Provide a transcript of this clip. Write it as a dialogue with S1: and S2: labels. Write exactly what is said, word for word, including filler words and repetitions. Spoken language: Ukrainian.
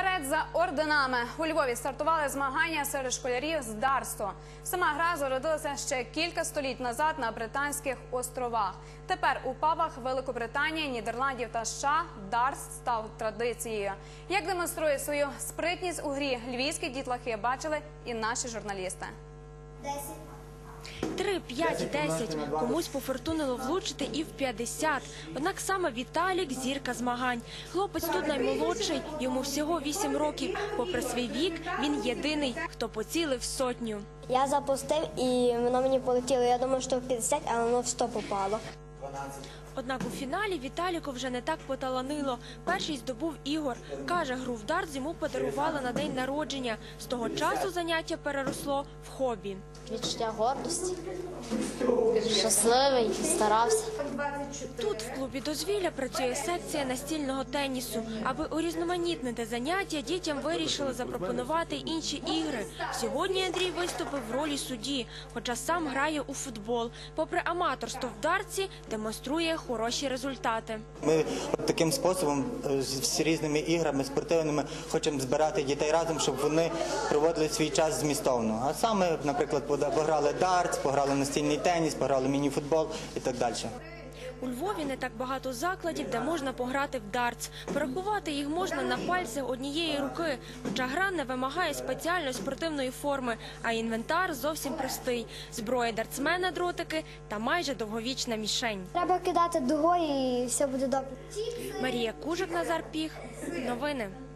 S1: Вперед за орденами! У Львові стартували змагання серед школярів з дартсу. Сама гра зародилася ще кілька століть назад на Британських островах. Тепер у пабах Великобританії, Нідерландів та США дартс став традицією. Як демонструє свою спритність у грі львівські дітлахи, бачили і наші журналісти.
S2: Три, п'ять, десять. Комусь пофортунило влучити і в п'ятдесят. Однак саме Віталік – зірка змагань. Хлопець тут наймолодший, йому всього вісім років. Попри свій вік, він єдиний, хто поцілив сотню.
S3: Я запустив і воно мені полетіло. Я думав, що в п'ятдесят, але воно в сто попало.
S2: Однак у фіналі Віталіку вже не так поталанило. Перший здобув Ігор. Каже, гру в дартс йому подарували на день народження. З того часу заняття переросло в хобі.
S3: Відчуття гордості. Щасливий, старався.
S2: Тут в клубі дозвілля працює секція настільного тенісу. Аби урізноманітнити заняття, дітям вирішили запропонувати інші ігри. Сьогодні Андрій виступив в ролі судді, хоча сам грає у футбол. Попри аматорство в дартсі, демонструє хороші результати.
S4: Ми таким способом з різними іграми спортивними хочемо збирати дітей разом, щоб вони проводили свій час змістовно. А саме, наприклад, пограли дартс, пограли настільний теніс, пограли міні-футбол і так далі.
S2: У Львові не так багато закладів, де можна пограти в дартс. Порахувати їх можна на пальцях однієї руки. Хоча гра не вимагає спеціальної спортивної форми, а інвентар зовсім простий. Зброя дартсмена, дротики та майже довговічна мішень.
S3: Треба кидати дугою і все буде добре.
S2: Марія Кужик, Назар Піх. Новини.